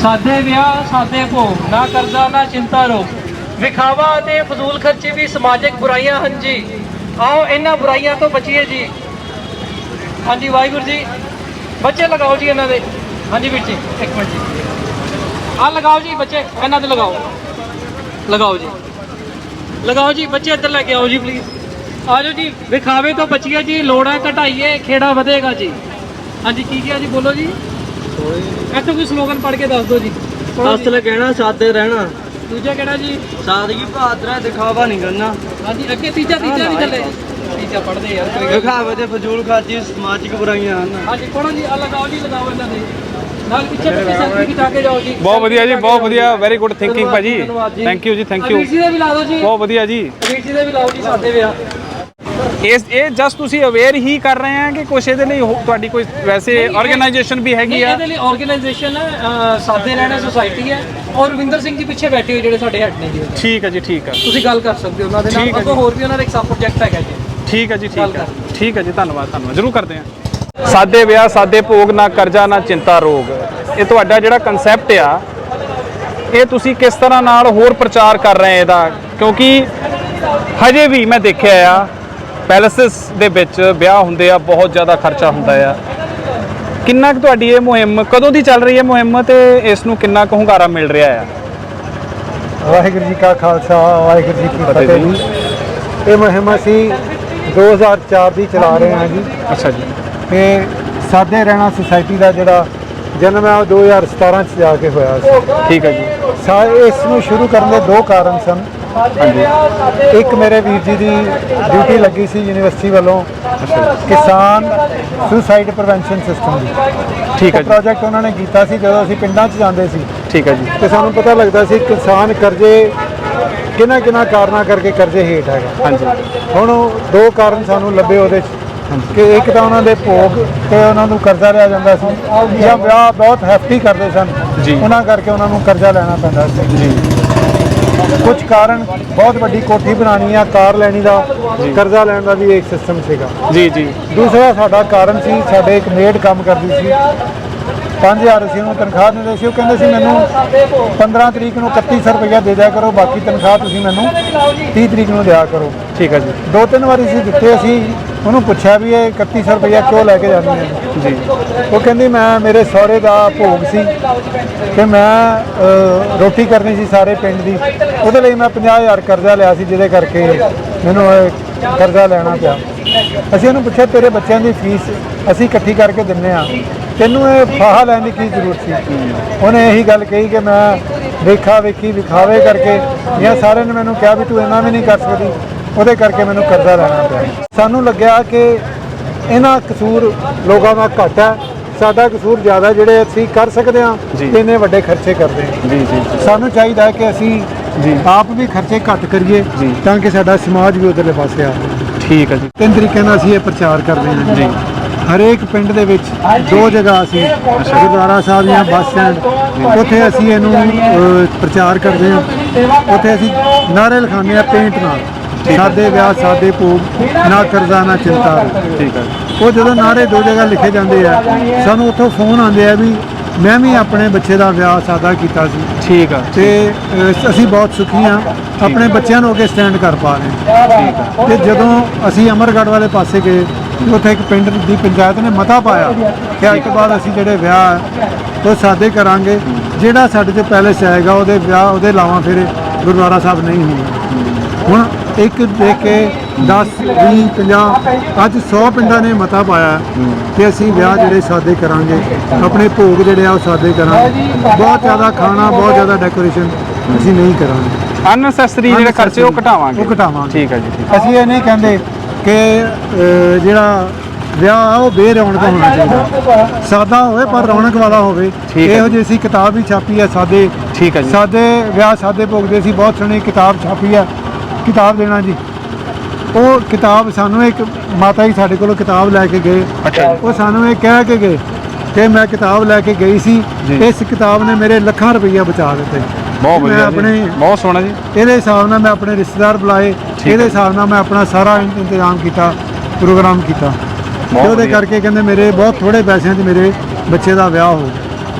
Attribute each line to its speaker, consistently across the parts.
Speaker 1: सादे ब्याह सादे भोग, ना कर्जा ना चिंता रोग। विखावा ते फजूल खर्चे भी समाजिक बुराइयां हैं जी। आओ इन्हां बुराइयां तो बचिए जी। हाँ जी वाहिगुरू जी। बच्चे लगाओ जी इन्हां दे। हाँ जी वीर जी एक मिनट जी, आ लगाओ जी बच्चे इन्हां दे लगाओ, लगाओ जी, लगाओ जी बच्चे इधर लेके आओ जी प्लीज। आ जाओ जी। विखावे तो बचिए जी, लोड़ा घटाइए खेड़ा वधेगा जी। हाँ जी की किया जी, बोलो जी। ऐसा कोई स्लोगन पढ़ के दस दो जी।
Speaker 2: असल कहना सादे रहना,
Speaker 1: दूजा कहना जी
Speaker 2: सादगी बहादुर है, दिखावा नहीं करना।
Speaker 1: हाँ जी अगे तीजा तीजा नहीं चले, तीजा पढ़ते यार।
Speaker 2: दिखावे ते फजूल खर्ची समाजिक बुराइयां हैं।
Speaker 1: हाँ जी पढ़ो जी, लगाओ जी, लगाओ इन्हां दे नाल पिछे पिछे सेल्फी खिचा के जाओ जी।
Speaker 3: बहुत वधिया जी, बहुत वधिया, वेरी गुड थिंकिंग भाजी, थैंक यू जी, थैंक यू।
Speaker 1: वीर जी दे भी ला दो जी,
Speaker 3: बहुत वधिया जी।
Speaker 1: वीर जी दे भी लाओ जी सादे विआह।
Speaker 3: ਇਹ ਜਸਟ ਤੁਸੀਂ ਅਵੇਅਰ ਹੀ ਕਰ ਰਹੇ ਆ ਕਿ ਕੁਛ ਇਹਦੇ ਲਈ ਤੁਹਾਡੀ ਕੋਈ ਵੈਸੇ ਆਰਗੇਨਾਈਜੇਸ਼ਨ ਵੀ ਹੈਗੀ ਆ?
Speaker 1: ਇਹਦੇ ਲਈ ਆਰਗੇਨਾਈਜੇਸ਼ਨ ਹੈ ਸਾਦੇ ਰਹਿਣਾ ਸੁਸਾਇਟੀ ਹੈ, ਔਰ ਰਵਿੰਦਰ ਸਿੰਘ ਜੀ ਪਿੱਛੇ ਬੈਠੇ ਹੋਏ ਜਿਹੜੇ ਸਾਡੇ ਹੈਡ ਨੇ ਜੀ।
Speaker 3: ਠੀਕ ਹੈ ਜੀ, ਠੀਕ ਹੈ,
Speaker 1: ਤੁਸੀਂ ਗੱਲ ਕਰ ਸਕਦੇ ਹੋ ਉਹਨਾਂ ਦੇ ਨਾਲ। ਅੱਗੋਂ ਹੋਰ ਵੀ ਉਹਨਾਂ ਦਾ ਇੱਕ ਸਬ ਪ੍ਰੋਜੈਕਟ ਹੈਗਾ ਜੀ।
Speaker 3: ਠੀਕ ਹੈ ਜੀ, ਠੀਕ ਹੈ, ਠੀਕ ਹੈ ਜੀ, ਧੰਨਵਾਦ, ਧੰਨਵਾਦ, ਜ਼ਰੂਰ ਕਰਦੇ ਹਾਂ। ਸਾਦੇ ਵਿਆਹ ਸਾਦੇ ਭੋਗ, ਨਾ ਕਰਜ਼ਾ ਨਾ ਚਿੰਤਾ ਰੋਗ, ਇਹ ਤੁਹਾਡਾ ਜਿਹੜਾ ਕਨਸੈਪਟ ਆ ਇਹ ਤੁਸੀਂ ਕਿਸ ਤਰ੍ਹਾਂ ਨਾਲ ਹੋਰ ਪ੍ਰਚਾਰ ਕਰ ਰਹੇ ਇਹਦਾ? ਕਿਉਂਕਿ ਹਜੇ ਵੀ ਮੈਂ ਦੇਖਿਆ ਆ ਪੈਲੇਸਿਸ ਦੇ ਵਿੱਚ ਵਿਆਹ ਹੁੰਦੇ ਆ, ਬਹੁਤ ਜ਼ਿਆਦਾ ਖਰਚਾ ਹੁੰਦਾ ਆ। ਕਿੰਨਾ ਕੁ ਤੁਹਾਡੀ ਇਹ ਮੁਹਿੰਮ ਕਦੋਂ ਦੀ ਚੱਲ ਰਹੀ ਹੈ ਮੁਹਿੰਮ, ਤੇ ਇਸ ਨੂੰ ਕਿੰਨਾ ਕੁ ਹੁੰਗਾਰਾ ਮਿਲ ਰਿਹਾ ਆ?
Speaker 4: ਵਾਹਿਗੁਰੂ ਜੀ ਕਾ ਖਾਲਸਾ, ਵਾਹਿਗੁਰੂ ਜੀ ਕੀ ਫਤਿਹ ਜੀ। ਇਹ ਮੁਹਿੰਮ ਅਸੀਂ 2004 ਦੀ ਚਲਾ ਰਹੇ ਹਾਂ ਜੀ।
Speaker 3: ਅੱਛਾ ਜੀ।
Speaker 4: ਤੇ ਸਾਦੇ ਰਹਿਣਾ ਸੁਸਾਇਟੀ ਦਾ ਜਿਹੜਾ ਜਨਮ ਹੈ ਉਹ 2017 ਚ ਜਾ ਕੇ ਹੋਇਆ ਸੀ।
Speaker 3: ਠੀਕ ਹੈ ਜੀ।
Speaker 4: ਇਸ ਨੂੰ ਸ਼ੁਰੂ ਕਰਨ ਦੇ ਦੋ ਕਾਰਨ ਸਨ। ਇੱਕ ਮੇਰੇ ਵੀਰ ਜੀ ਦੀ ਡਿਊਟੀ ਲੱਗੀ ਸੀ ਯੂਨੀਵਰਸਿਟੀ ਵੱਲੋਂ ਕਿਸਾਨ ਸੁਸਾਈਡ ਪ੍ਰੀਵੈਂਸ਼ਨ ਸਿਸਟਮ ਦੀ।
Speaker 3: ਠੀਕ ਹੈ ਜੀ।
Speaker 4: ਪ੍ਰੋਜੈਕਟ ਉਹਨਾਂ ਨੇ ਕੀਤਾ ਸੀ ਜਦੋਂ ਅਸੀਂ ਪਿੰਡਾਂ 'ਚ ਜਾਂਦੇ ਸੀ।
Speaker 3: ਠੀਕ ਹੈ ਜੀ।
Speaker 4: ਤੇ ਸਾਨੂੰ ਪਤਾ ਲੱਗਦਾ ਸੀ ਕਿਸਾਨ ਕਰਜ਼ੇ ਕਿਹਨਾਂ ਕਿਹਨਾਂ ਕਾਰਨਾਂ ਕਰਕੇ ਕਰਜ਼ੇ ਹੇਠ ਹੈਗਾ।
Speaker 3: ਹਾਂਜੀ।
Speaker 4: ਹੁਣ ਦੋ ਕਾਰਨ ਸਾਨੂੰ ਲੱਭੇ ਉਹਦੇ 'ਚ ਕਿ ਇੱਕ ਤਾਂ ਉਹਨਾਂ ਦੇ ਭੋਗ ਤੇ ਉਹਨਾਂ ਨੂੰ ਕਰਜ਼ਾ ਲਿਆ ਜਾਂਦਾ ਸੀ, ਜਾਂ ਵਿਆਹ ਬਹੁਤ ਹੈਫਟੀ ਕਰਦੇ ਸਨ
Speaker 3: ਜੀ,
Speaker 4: ਉਹਨਾਂ ਕਰਕੇ ਉਹਨਾਂ ਨੂੰ ਕਰਜ਼ਾ ਲੈਣਾ ਪੈਂਦਾ ਸੀ ਜੀ। ਕੁਝ ਕਾਰਨ ਬਹੁਤ ਵੱਡੀ ਕੋਠੀ ਬਣਾਉਣੀ ਆ, ਕਾਰ ਲੈਣੀ ਦਾ, ਕਰਜ਼ਾ ਲੈਣ ਦਾ ਵੀ ਇੱਕ ਸਿਸਟਮ ਸੀਗਾ
Speaker 3: ਜੀ ਜੀ।
Speaker 4: ਦੂਸਰਾ ਸਾਡਾ ਕਾਰਨ ਸੀ, ਸਾਡੇ ਇੱਕ ਮੇਡ ਕੰਮ ਕਰਦੀ ਸੀ, 5000 ਅਸੀਂ ਉਹਨੂੰ ਤਨਖਾਹ ਦਿੰਦੇ ਸੀ। ਉਹ ਕਹਿੰਦੇ ਸੀ ਮੈਨੂੰ 15 ਤਰੀਕ ਨੂੰ 3100 ਰੁਪਇਆ ਦੇ ਦਿਆ ਕਰੋ, ਬਾਕੀ ਤਨਖਾਹ ਤੁਸੀਂ ਮੈਨੂੰ 30 ਤਰੀਕ ਨੂੰ ਦਿਆ ਕਰੋ।
Speaker 3: ਠੀਕ ਹੈ ਜੀ।
Speaker 4: 2-3 ਵਾਰੀ ਅਸੀਂ ਦਿੱਤੇ। ਅਸੀਂ ਉਹਨੂੰ ਪੁੱਛਿਆ ਵੀ ਇਹ 3100 ਰੁਪਇਆ ਕਿਉਂ ਲੈ ਕੇ ਜਾਂਦੀ ਹੈ ਜੀ? ਉਹ ਕਹਿੰਦੀ ਮੈਂ ਮੇਰੇ ਸਹੁਰੇ ਦਾ ਭੋਗ ਸੀ ਤੇ ਮੈਂ ਰੋਟੀ ਕਰਨੀ ਸੀ ਸਾਰੇ ਪਿੰਡ ਦੀ, ਉਹਦੇ ਲਈ ਮੈਂ 50000 ਕਰਜ਼ਾ ਲਿਆ ਸੀ, ਜਿਹਦੇ ਕਰਕੇ ਮੈਨੂੰ ਕਰਜ਼ਾ ਲੈਣਾ ਪਿਆ। ਅਸੀਂ ਉਹਨੂੰ ਪੁੱਛਿਆ ਤੇਰੇ ਬੱਚਿਆਂ ਦੀ ਫੀਸ ਅਸੀਂ ਇਕੱਠੀ ਕਰਕੇ ਦਿੰਦੇ ਹਾਂ, ਤੈਨੂੰ ਇਹ ਫਾਹਾ ਲੈਣ ਦੀ ਕੀ ਜ਼ਰੂਰਤ ਸੀ? ਉਹਨੇ ਇਹੀ ਗੱਲ ਕਹੀ ਕਿ ਮੈਂ ਵੇਖਾ ਵੇਖੀ ਵਿਖਾਵੇ ਕਰਕੇ ਜਾਂ ਸਾਰਿਆਂ ਨੇ ਮੈਨੂੰ ਕਿਹਾ ਵੀ ਤੂੰ ਇੰਨਾ ਵੀ ਨਹੀਂ ਕਰ ਸਕਦੀ, ਉਹਦੇ ਕਰਕੇ ਮੈਨੂੰ ਕਰਜ਼ਾ ਲੈਣਾ ਪਿਆ। ਸਾਨੂੰ ਲੱਗਿਆ ਕਿ ਇਹਨਾਂ ਕਸੂਰ ਲੋਕਾਂ ਦਾ ਘੱਟ ਹੈ, ਸਾਡਾ ਕਸੂਰ ਜ਼ਿਆਦਾ, ਜਿਹੜੇ ਅਸੀਂ ਕਰ ਸਕਦੇ ਹਾਂ ਇੰਨੇ ਵੱਡੇ ਖਰਚੇ ਕਰਦੇ ਹਾਂ।
Speaker 3: ਜੀ ਜੀ।
Speaker 4: ਸਾਨੂੰ ਚਾਹੀਦਾ ਹੈ ਕਿ ਅਸੀਂ ਆਪ ਵੀ ਖਰਚੇ ਘੱਟ ਕਰੀਏ ਤਾਂ ਕਿ ਸਾਡਾ ਸਮਾਜ ਵੀ ਉਧਰਲੇ ਪਾਸੇ ਆਵੇ।
Speaker 3: ਠੀਕ ਹੈ ਜੀ।
Speaker 4: 3 ਤਰੀਕੇ ਨਾਲ ਅਸੀਂ ਇਹ ਪ੍ਰਚਾਰ ਕਰਦੇ ਹਾਂ ਜੀ। ਹਰੇਕ ਪਿੰਡ ਦੇ ਵਿੱਚ 2 ਜਗ੍ਹਾ ਅਸੀਂ ਗੁਰਦੁਆਰਾ ਸਾਹਿਬ ਜਾਂ ਬੱਸ ਸਟੈਂਡ, ਉੱਥੇ ਅਸੀਂ ਇਹਨੂੰ ਪ੍ਰਚਾਰ ਕਰਦੇ ਹਾਂ। ਉੱਥੇ ਅਸੀਂ ਨਾਅਰੇ ਲਿਖਾਉਂਦੇ ਹਾਂ ਪੇਂਟ ਨਾਲ, ਸਾਦੇ ਵਿਆਹ ਸਾਦੇ ਭੋਗ, ਨਾ ਕਰਜ਼ਾ ਨਾ ਚਿੰਤਾ।
Speaker 3: ਠੀਕ ਹੈ।
Speaker 4: ਉਹ ਜਦੋਂ ਨਾਅਰੇ 2 ਜਗ੍ਹਾ ਲਿਖੇ ਜਾਂਦੇ ਆ, ਸਾਨੂੰ ਉੱਥੋਂ ਫੋਨ ਆਉਂਦੇ ਆ ਵੀ ਮੈਂ ਵੀ ਆਪਣੇ ਬੱਚੇ ਦਾ ਵਿਆਹ ਸਾਦਾ ਕੀਤਾ ਸੀ।
Speaker 3: ਠੀਕ ਆ।
Speaker 4: ਤੇ ਅਸੀਂ ਬਹੁਤ ਸੁਖੀ ਹਾਂ, ਆਪਣੇ ਬੱਚਿਆਂ ਨੂੰ ਅੱਗੇ ਸਟੈਂਡ ਕਰ ਪਾ ਰਹੇ ਹਾਂ। ਤੇ ਜਦੋਂ ਅਸੀਂ ਅਮਰਗੜ੍ਹ ਵਾਲੇ ਪਾਸੇ ਗਏ, ਉੱਥੇ ਇੱਕ ਪਿੰਡ ਦੀ ਪੰਚਾਇਤ ਨੇ ਮਤਾ ਪਾਇਆ ਕਿ ਅੱਜ ਤੋਂ ਬਾਅਦ ਅਸੀਂ ਜਿਹੜੇ ਵਿਆਹ ਉਹ ਸਾਦੇ ਕਰਾਂਗੇ, ਜਿਹੜਾ ਸਾਡੇ 'ਚ ਪੈਲੇਸ ਆਏਗਾ ਉਹਦੇ ਵਿਆਹ ਉਹਦੇ ਲਾਵਾਂ ਫੇਰੇ ਗੁਰਦੁਆਰਾ ਸਾਹਿਬ ਨਹੀਂ ਹੋਣਗੇ। ਹੁਣ ਇੱਕ ਦੇਖ ਕੇ 10, 20, 50 ਅੱਜ 100 ਪਿੰਡਾਂ ਨੇ ਮਤਾ ਪਾਇਆ ਕਿ ਅਸੀਂ ਵਿਆਹ ਜਿਹੜੇ ਸਾਦੇ ਕਰਾਂਗੇ, ਆਪਣੇ ਭੋਗ ਜਿਹੜੇ ਆ ਉਹ ਸਾਦੇ ਕਰਾਂਗੇ, ਬਹੁਤ ਜ਼ਿਆਦਾ ਖਾਣਾ, ਬਹੁਤ ਜ਼ਿਆਦਾ ਡੈਕੋਰੇਸ਼ਨ ਅਸੀਂ ਨਹੀਂ ਕਰਾਂਗੇ,
Speaker 3: ਅਨਨੈਸੈਸਰੀ ਜਿਹੜੇ ਖਰਚੇ ਉਹ ਘਟਾਵਾਂਗੇ। ਠੀਕ ਹੈ ਜੀ।
Speaker 4: ਅਸੀਂ ਇਹ ਨਹੀਂ ਕਹਿੰਦੇ ਕਿ ਜਿਹੜਾ ਵਿਆਹ ਆ ਉਹ ਬੇਰੌਣਕ ਹੋਣਾ ਚਾਹੀਦਾ, ਸਾਦਾ ਹੋਵੇ ਪਰ ਰੌਣਕ ਵਾਲਾ ਹੋਵੇ। ਇਹੋ ਜਿਹੀ ਅਸੀਂ ਕਿਤਾਬ ਵੀ ਛਾਪੀ ਹੈ ਸਾਦੇ।
Speaker 3: ਠੀਕ ਹੈ ਜੀ।
Speaker 4: ਸਾਦੇ ਵਿਆਹ ਸਾਦੇ ਭੋਗ ਦੀ ਅਸੀਂ ਬਹੁਤ ਸੋਹਣੀ ਕਿਤਾਬ ਛਾਪੀ ਹੈ, ਕਿਤਾਬ ਦੇਣਾ ਜੀ। ਉਹ ਕਿਤਾਬ ਸਾਨੂੰ ਇੱਕ ਮਾਤਾ ਜੀ ਸਾਡੇ ਕੋਲੋਂ ਕਿਤਾਬ ਲੈ ਕੇ ਗਏ, ਉਹ ਸਾਨੂੰ ਇਹ ਕਹਿ ਕੇ ਗਏ ਕਿ ਮੈਂ ਕਿਤਾਬ ਲੈ ਕੇ ਗਈ ਸੀ, ਇਸ ਕਿਤਾਬ ਨੇ ਮੇਰੇ ਲੱਖਾਂ ਰੁਪਈਆ ਬਚਾ ਦਿੱਤੇ।
Speaker 3: ਬਹੁਤ ਵਧੀਆ, ਬਹੁਤ ਸੋਹਣਾ ਜੀ।
Speaker 4: ਇਹਦੇ ਹਿਸਾਬ ਨਾਲ ਮੈਂ ਆਪਣੇ ਰਿਸ਼ਤੇਦਾਰ ਬੁਲਾਏ, ਇਹਦੇ ਹਿਸਾਬ ਨਾਲ ਮੈਂ ਆਪਣਾ ਸਾਰਾ ਇੰਤਜ਼ਾਮ ਕੀਤਾ, ਪ੍ਰੋਗਰਾਮ ਕੀਤਾ, ਤੇ ਉਹਦੇ ਕਰਕੇ ਕਹਿੰਦੇ ਮੇਰੇ ਬਹੁਤ ਥੋੜੇ ਪੈਸਿਆਂ 'ਚ ਮੇਰੇ ਬੱਚੇ ਦਾ ਵਿਆਹ ਹੋ ਗਿਆ।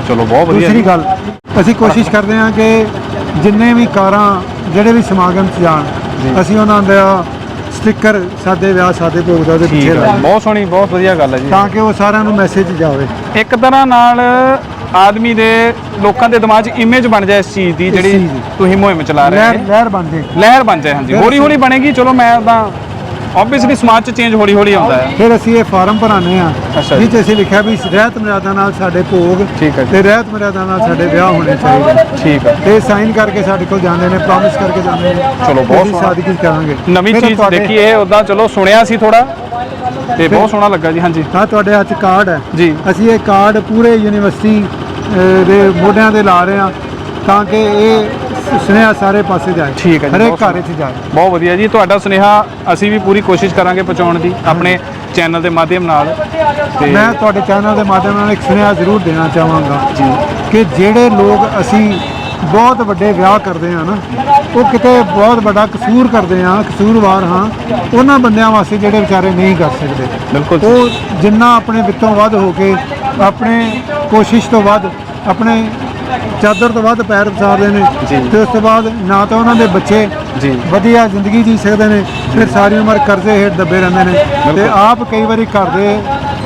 Speaker 3: ਚਲੋ ਬਹੁਤ ਵਧੀਆ
Speaker 4: ਦੂਸਰੀ
Speaker 3: ਜੀ।
Speaker 4: ਗੱਲ ਅਸੀਂ ਕੋਸ਼ਿਸ਼ ਕਰਦੇ ਹਾਂ ਕਿ ਜਿੰਨੇ ਵੀ ਕਾਰਾਂ ਜਿਹੜੇ ਵੀ ਸਮਾਗਮ 'ਚ ਜਾਣ ਅਸੀਂ ਉਹਨਾਂ ਦਾ ਸਟicker ਸਾਦੇ ਵਿਆਹ ਸਾਦੇ ਭੋਗ ਦਾ ਉਹਦੇ
Speaker 3: ਠੀਕ
Speaker 4: ਪਿੱਛੇ
Speaker 3: ਹੈ,
Speaker 4: ਲਾਈਏ
Speaker 3: ਬਹੁਤ ਸੋਹਣੀ, ਬਹੁਤ ਵਧੀਆ ਗੱਲ ਹੈ ਜੀ।
Speaker 4: ਤਾਂ ਕਿ ਉਹ ਸਾਰਿਆਂ ਨੂੰ ਮੈਸੇਜ ਜਾਵੇ।
Speaker 3: ਇੱਕ ਤਰ੍ਹਾਂ ਨਾਲ ਆਦਮੀ ਦੇ ਲੋਕਾਂ ਦੇ ਦਿਮਾਗ 'ਚ ਇਮੇਜ ਬਣ ਜਾਏ ਇਸ ਚੀਜ਼ ਦੀ, ਜਿਹੜੀ
Speaker 4: ਚੀਜ਼ ਦੀ।
Speaker 3: ਤੁਸੀਂ ਮੁਹਿੰਮ ਚਲਾ ਰਹੇ
Speaker 4: ਲਹਿਰ
Speaker 3: ਹੋ,
Speaker 4: ਲਹਿਰ ਬਣ ਜੇ।
Speaker 3: ਲਹਿਰ ਬਣ ਜਾਏ। ਹਾਂਜੀ,
Speaker 4: ਫਿਰ
Speaker 3: ਹੌਲੀ ਹੌਲੀ
Speaker 4: ਅਸੀਂ-
Speaker 3: ਬਣੇਗੀ। ਚਲੋ ਮੈਂ ਤਾਂ ਆਬਵੀਅਸਲੀ ਸਮਾਜ 'ਚ ਚੇਂਜ ਹੌਲੀ ਹੌਲੀ ਆਉਂਦਾ ਹੈ।
Speaker 4: ਫਿਰ ਅਸੀਂ ਇਹ ਫਾਰਮ ਭਰਾਉਂਦੇ ਹਾਂ
Speaker 3: ਅੱਛਾ ਜੀ।
Speaker 4: ਜਿਸ 'ਚ ਅਸੀਂ ਲਿਖਿਆ ਵੀ ਰਹਿਤ ਮਰਿਆਦਾ ਨਾਲ ਸਾਡੇ ਭੋਗ
Speaker 3: ਠੀਕ ਹੈ ਜੀ।
Speaker 4: ਤੇ ਰਹਿਤ ਮਰਿਆਦਾ ਨਾਲ ਸਾਡੇ ਵਿਆਹ ਹੋਣੇ ਚਾਹੀਦੇ।
Speaker 3: ਠੀਕ ਹੈ,
Speaker 4: ਤੇ ਸਾਈਨ ਕਰਕੇ ਸਾਡੇ ਕੋਲ ਜਾਂਦੇ ਨੇ, ਪ੍ਰੋਮਿਸ ਕਰਕੇ ਜਾਂਦੇ ਨੇ।
Speaker 3: ਚਲੋ, ਬਹੁਤ
Speaker 4: ਅਸੀਂ
Speaker 3: ਸੋਹਣਾ।
Speaker 4: ਸਾਦਗੀ ਕਰਾਂਗੇ।
Speaker 3: ਨਵੀਂ
Speaker 4: ਫਿਰ
Speaker 3: ਚੀਜ਼
Speaker 4: ਤੁਹਾਡੇ-
Speaker 3: ਦੇਖੀ ਇਹ, ਉੱਦਾਂ ਚਲੋ ਸੁਣਿਆ ਸੀ ਥੋੜਾ ਤੇ ਬਹੁਤ ਸੋਹਣਾ ਲੱਗਾ ਜੀ। ਹਾਂਜੀ
Speaker 4: ਤਾਂ ਤੁਹਾਡੇ ਹੱਥ 'ਚ ਕਾਰਡ ਹੈ
Speaker 3: ਜੀ।
Speaker 4: ਅਸੀਂ ਇਹ ਕਾਰਡ ਪੂਰੇ ਯੂਨੀਵਰਸਿਟੀ ਦੇ ਮੋਢਿਆਂ ਤੇ ਲਾ ਰਹੇ ਹਾਂ ਤਾਂ ਕਿ ਇਹ ਸੁਨੇਹਾ ਸਾਰੇ ਪਾਸੇ ਜਾਏ,
Speaker 3: ਠੀਕ ਹੈ ਜੀ,
Speaker 4: ਹਰੇਕ
Speaker 3: ਬਹੁਤ
Speaker 4: ਘਰ 'ਚ ਜਾਏ।
Speaker 3: ਬਹੁਤ ਵਧੀਆ ਜੀ। ਤੁਹਾਡਾ ਸੁਨੇਹਾ ਅਸੀਂ ਵੀ ਪੂਰੀ ਕੋਸ਼ਿਸ਼ ਕਰਾਂਗੇ ਪਹੁੰਚਾਉਣ ਦੀ ਆਪਣੇ ਚੈਨਲ ਦੇ ਮਾਧਿਅਮ ਨਾਲ। ਤੇ
Speaker 4: ਮੈਂ ਤੁਹਾਡੇ ਚੈਨਲ ਦੇ ਮਾਧਿਅਮ ਨਾਲ ਇੱਕ ਸੁਨੇਹਾ ਜ਼ਰੂਰ ਦੇਣਾ ਚਾਹਾਂਗਾ ਕਿ ਜਿਹੜੇ ਲੋਕ ਅਸੀਂ ਬਹੁਤ ਵੱਡੇ ਵਿਆਹ ਕਰਦੇ ਹਾਂ ਨਾ, ਉਹ ਕਿਤੇ ਬਹੁਤ ਵੱਡਾ ਕਸੂਰ ਕਰਦੇ ਹਾਂ, ਕਸੂਰਵਾਰ ਹਾਂ ਉਹਨਾਂ ਬੰਦਿਆਂ ਵਾਸਤੇ ਜਿਹੜੇ ਵਿਚਾਰੇ ਨਹੀਂ ਕਰ ਸਕਦੇ।
Speaker 3: ਬਿਲਕੁਲ ਜੀ।
Speaker 4: ਉਹ ਜਿੰਨਾ ਆਪਣੇ ਵਿੱਤੋਂ ਵੱਧ ਹੋ ਕੇ ਆਪਣੇ ਕੋਸ਼ਿਸ਼ ਤੋਂ ਵੱਧ ਆਪਣੇ ਚਾਦਰ ਤੋਂ ਵੱਧ ਪੈਰ ਪਸਾਰਦੇ ਨੇ
Speaker 3: ਜੀ।
Speaker 4: ਤੇ ਉਸ ਤੋਂ ਬਾਅਦ ਨਾ ਤਾਂ ਉਹਨਾਂ ਦੇ ਬੱਚੇ
Speaker 3: ਜੀ।
Speaker 4: ਵਧੀਆ ਜ਼ਿੰਦਗੀ ਜੀ ਸਕਦੇ ਨੇ, ਫਿਰ ਸਾਰੀ ਉਮਰ ਕਰਜ਼ੇ ਹੇਠ ਦੱਬੇ ਰਹਿੰਦੇ ਨੇ ਤੇ ਆਪ ਕਈ ਵਾਰੀ ਘਰ ਦੇ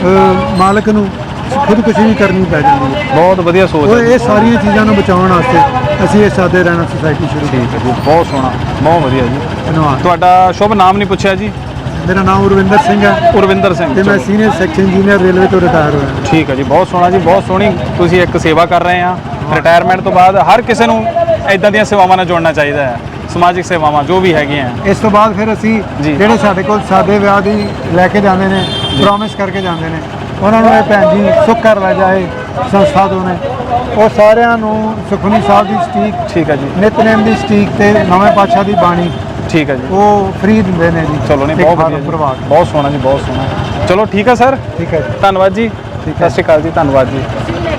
Speaker 4: ਮਾਲਕ ਨੂੰ ਖੁਦਕੁਸ਼ੀ ਵੀ ਕਰਨੀ ਪੈ ਜਾਂਦੀ ਹੈ।
Speaker 3: ਬਹੁਤ ਵਧੀਆ ਸੋਚ
Speaker 4: ਉਹ
Speaker 3: ਹੈ ਜੀ।
Speaker 4: ਇਹ ਸਾਰੀਆਂ ਚੀਜ਼ਾਂ ਨੂੰ ਬਚਾਉਣ ਵਾਸਤੇ ਅਸੀਂ ਇਹ ਸਾਦੇ ਰਹਿਣਾ ਸੁਸਾਇਟੀ ਸ਼ੁਰੂ ਕੀਤੀ।
Speaker 3: ਠੀਕ ਹੈ ਜੀ, ਬਹੁਤ ਸੋਹਣਾ, ਬਹੁਤ ਵਧੀਆ ਜੀ।
Speaker 4: ਧੰਨਵਾਦ।
Speaker 3: ਤੁਹਾਡਾ ਸ਼ੁਭ ਨਾਮ ਨਹੀਂ ਪੁੱਛਿਆ ਜੀ?
Speaker 4: ਮੇਰਾ ਨਾਮ ਉਰਵਿੰਦਰ ਸਿੰਘ ਹੈ
Speaker 3: ਉਰਵਿੰਦਰ ਸਿੰਘ।
Speaker 4: ਤੇ ਮੈਂ
Speaker 3: ਚਲੋ,
Speaker 4: ਸੀਨੀਅਰ ਸੈਕਸ਼ਨ ਇੰਜੀਨੀਅਰ ਰੇਲਵੇ ਤੋਂ ਰਿਟਾਇਰ ਹੋਇਆ।
Speaker 3: ਠੀਕ ਹੈ ਜੀ, ਬਹੁਤ ਸੋਹਣਾ ਜੀ, ਬਹੁਤ ਸੋਹਣੀ ਤੁਸੀਂ ਇੱਕ ਸੇਵਾ ਕਰ ਰਹੇ ਆ। ਰਿਟਾਇਰਮੈਂਟ ਤੋਂ ਬਾਅਦ ਹਰ ਕਿਸੇ ਨੂੰ ਇਦਾਂ ਦੀਆਂ ਸੇਵਾਵਾਂ ਨਾਲ ਜੁੜਨਾ ਚਾਹੀਦਾ ਹੈ, ਸਮਾਜਿਕ ਸੇਵਾਵਾਂ ਜੋ ਵੀ ਹੈਗੀਆਂ।
Speaker 4: ਇਸ ਤੋਂ ਬਾਅਦ ਫਿਰ ਅਸੀਂ
Speaker 3: ਜੀ।
Speaker 4: ਜਿਹੜੇ ਸਾਡੇ ਕੋਲ ਸਾਦੇ ਵਿਆਹ ਦੀ ਲੈ ਕੇ ਜਾਂਦੇ ਨੇ, ਪ੍ਰੋਮਿਸ ਕਰਕੇ ਜਾਂਦੇ ਨੇ, ਉਹਨਾਂ ਨੂੰ ਇਹ ਭੈਣ ਜੀ ਸੁੱਖ ਕਰ ਲੈ ਜਾਏ ਸੰਸਥਾ ਤੋਂ ਨੇ, ਉਹ ਸਾਰਿਆਂ ਨੂੰ ਸੁਖਮਨੀ ਸਾਹਿਬ ਦੀ ਸਟੀਕ,
Speaker 3: ਠੀਕ ਹੈ ਜੀ,
Speaker 4: ਨਿਤਨੇਮ ਦੀ ਸਟੀਕ ਤੇ ਨਵੇਂ ਪਾਤਸ਼ਾਹ ਦੀ ਬਾਣੀ
Speaker 3: ਠੀਕ ਹੈ ਜੀ।
Speaker 4: ਉਹ ਫ੍ਰੀ ਦਿੰਦੇ ਨੇ ਜੀ।
Speaker 3: ਚਲੋ, ਨਹੀਂ
Speaker 4: ਇੱਕ
Speaker 3: ਬਹੁਤ
Speaker 4: ਫਾਰਮ
Speaker 3: ਵਧੀਆ ਜੀ,
Speaker 4: ਭਰਵਾ ਕੇ।
Speaker 3: ਬਹੁਤ ਸੋਹਣਾ ਜੀ, ਬਹੁਤ ਸੋਹਣਾ। ਚਲੋ ਠੀਕ ਹੈ ਸਰ,
Speaker 4: ਠੀਕ ਹੈ ਜੀ।
Speaker 3: ਧੰਨਵਾਦ ਜੀ। ਸਤਿ ਸ਼੍ਰੀ ਅਕਾਲ ਜੀ, ਧੰਨਵਾਦ ਜੀ।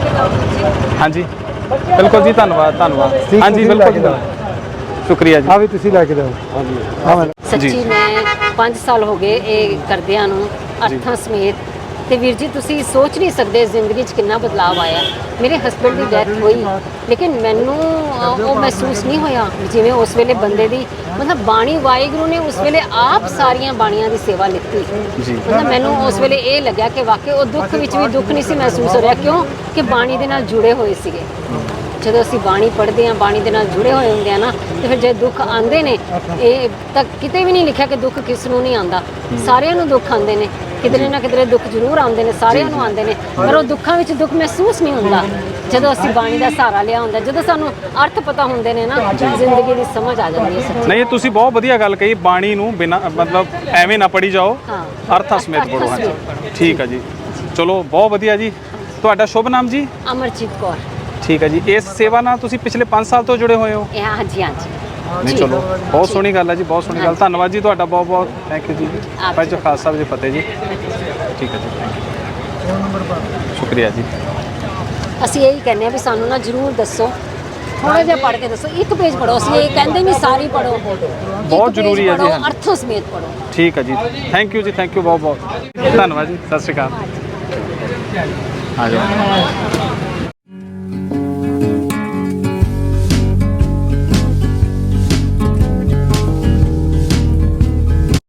Speaker 3: ਹਾਂਜੀ ਬਿਲਕੁਲ ਜੀ, ਧੰਨਵਾਦ ਧੰਨਵਾਦ।
Speaker 4: ਠੀਕ,
Speaker 3: ਹਾਂਜੀ
Speaker 4: ਤੁਸੀਂ ਲੈ
Speaker 3: ਬਿਲਕੁਲ
Speaker 4: ਕੇ
Speaker 3: ਜੀ,
Speaker 4: ਜਾਓ।
Speaker 3: ਸ਼ੁਕਰੀਆ ਜੀ।
Speaker 4: ਆ ਵੀ ਤੁਸੀਂ ਲੈ ਕੇ ਜਾਓ। ਹਾਂ ਮੈਂ
Speaker 5: ਸੱਚੀ ਮੈਂ 5 ਸਾਲ ਹੋ ਗਏ ਇਹ ਕਰਦਿਆਂ ਨੂੰ ਅਰਥਾਂ ਸਮੇਤ। ਤੇ ਵੀਰ ਜੀ ਤੁਸੀਂ ਸੋਚ ਨਹੀਂ ਸਕਦੇ ਜ਼ਿੰਦਗੀ 'ਚ ਕਿੰਨਾ ਬਦਲਾਅ ਆਇਆ। ਮੇਰੇ ਹਸਬੰਡ ਦੀ ਡੈਥ ਹੋਈ ਲੇਕਿਨ ਮੈਨੂੰ ਉਹ ਮਹਿਸੂਸ ਨਹੀਂ ਹੋਇਆ ਜਿਵੇਂ ਉਸ ਵੇਲੇ ਬੰਦੇ ਦੀ ਮਤਲਬ ਬਾਣੀ ਵਾਹਿਗੁਰੂ ਨੇ ਉਸ ਵੇਲੇ ਆਪ ਸਾਰੀਆਂ ਬਾਣੀਆਂ ਦੀ ਸੇਵਾ ਲਿੱਤੀ।
Speaker 3: ਜੀ।
Speaker 5: ਮਤਲਬ ਮੈਨੂੰ ਉਸ ਵੇਲੇ ਇਹ ਲੱਗਿਆ ਕਿ ਵਾਕਈ ਉਹ ਦੁੱਖ ਵਿੱਚ ਵੀ ਦੁੱਖ ਨਹੀਂ ਸੀ ਮਹਿਸੂਸ ਹੋ ਰਿਹਾ। ਕਿਉਂ ਕਿ ਬਾਣੀ ਦੇ ਨਾਲ ਜੁੜੇ ਹੋਏ ਸੀਗੇ। ਜਦੋਂ ਅਸੀਂ ਬਾਣੀ ਪੜ੍ਹਦੇ ਹਾਂ, ਬਾਣੀ ਦੇ ਨਾਲ ਜੁੜੇ ਹੋਏ ਹੁੰਦੇ ਆ ਨਾ, ਤੇ ਫਿਰ ਜੇ ਦੁੱਖ ਆਉਂਦੇ ਨੇ, ਇਹ ਤਾਂ ਕਿਤੇ ਵੀ ਨਹੀਂ ਲਿਖਿਆ ਕਿ ਦੁੱਖ ਕਿਸ ਨੂੰ ਨਹੀਂ ਆਉਂਦਾ, ਸਾਰਿਆਂ ਨੂੰ ਦੁੱਖ ਆਉਂਦੇ ਨੇ, ਕਿਧਰੇ ਨਾ ਕਿਧਰੇ ਦੁੱਖ ਜ਼ਰੂਰ ਆਉਂਦੇ ਨੇ, ਸਾਰਿਆਂ ਨੂੰ ਆਉਂਦੇ ਨੇ, ਪਰ ਉਹ ਦੁੱਖਾਂ ਵਿੱਚ ਦੁੱਖ ਮਹਿਸੂਸ ਨਹੀਂ ਹੁੰਦਾ ਜਦੋਂ ਅਸੀਂ ਬਾਣੀ ਦਾ ਸਹਾਰਾ ਲਿਆ ਹੁੰਦਾ। ਜਦੋਂ ਸਾਨੂੰ ਅਰਥ ਪਤਾ ਹੁੰਦੇ ਨੇ ਨਾ, ਜ਼ਿੰਦਗੀ ਦੀ ਸਮਝ ਆ ਜਾਂਦੀ ਹੈ ਸੱਚੀ।
Speaker 3: ਨਹੀਂ, ਤੁਸੀਂ ਬਹੁਤ ਵਧੀਆ ਗੱਲ ਕਹੀ। ਬਾਣੀ ਨੂੰ ਬਿਨਾ ਮਤਲਬ ਐਵੇਂ ਨਾ ਪੜੀ ਜਾਓ,
Speaker 5: ਹਾਂ।
Speaker 3: ਅਰਥਾਂ ਸਮੇਤ
Speaker 5: ਅਰਥਾਂ
Speaker 3: ਪੜੋ। ਹਾਂਜੀ
Speaker 5: ਸਮੇਤ।
Speaker 3: ਠੀਕ ਹੈ ਜੀ, ਚਲੋ ਬਹੁਤ ਵਧੀਆ ਜੀ। ਤੁਹਾਡਾ ਸ਼ੁਭ ਨਾਮ ਜੀ?
Speaker 5: ਅਮਰਜੀਤ ਕੌਰ।
Speaker 3: ਠੀਕ ਹੈ ਜੀ। ਇਸ ਸੇਵਾ ਨਾਲ ਤੁਸੀਂ ਪਿਛਲੇ 5 ਸਾਲ ਤੋਂ ਜੁੜੇ ਹੋਏ ਹੋ?
Speaker 5: ਇਹ ਹਾਂਜੀ ਹਾਂਜੀ।
Speaker 3: ਨਹੀਂ,
Speaker 5: ਜੀ।
Speaker 3: ਚਲੋ ਬਹੁਤ
Speaker 5: ਜੀ।
Speaker 3: ਸੋਹਣੀ ਗੱਲ ਹੈ ਜੀ, ਬਹੁਤ ਸੋਹਣੀ ਗੱਲ।
Speaker 5: ਹਾਂਜੀ।
Speaker 3: ਧੰਨਵਾਦ ਜੀ ਤੁਹਾਡਾ, ਬਹੁਤ ਬਹੁਤ ਥੈਂਕ ਯੂ ਜੀ।
Speaker 5: ਆਪ
Speaker 3: ਭਾਈ
Speaker 5: ਜੀ।
Speaker 3: ਜੋ ਖਾਲਸਾ ਸਾਹਿਬ ਜੀ ਫਤਿਹ ਜੀ। ਠੀਕ ਹੈ ਜੀ, ਥੈਂਕ ਯੂ, ਸ਼ੁਕਰੀਆ ਜੀ।
Speaker 5: ਅਸੀਂ ਇਹੀ ਕਹਿੰਦੇ ਆ ਵੀ ਸਾਨੂੰ ਨਾ ਜ਼ਰੂਰ ਦੱਸੋ, ਥੋੜਾ ਜਿਹਾ ਪੜ੍ਹ ਕੇ ਦੱਸੋ। ਇੱਕ ਪੇਜ ਪੜੋ, ਅਸੀਂ ਇਹ ਕਹਿੰਦੇ ਨਹੀਂ ਸਾਰੀ ਪੜੋ,
Speaker 3: ਬਹੁਤ ਜ਼ਰੂਰੀ ਹੈ ਜੀ, ਹਾਂਜੀ।
Speaker 5: ਅਰਥੋਂ ਸਮੇਤ ਪੜੋ।
Speaker 3: ਠੀਕ ਹੈ ਜੀ, ਥੈਂਕ ਯੂ ਜੀ, ਥੈਂਕ ਯੂ ਬਹੁਤ ਬਹੁਤ। ਧੰਨਵਾਦ ਜੀ, ਸਤਿ ਸ਼੍ਰੀ ਅਕਾਲ। ਆ ਜਾਓ।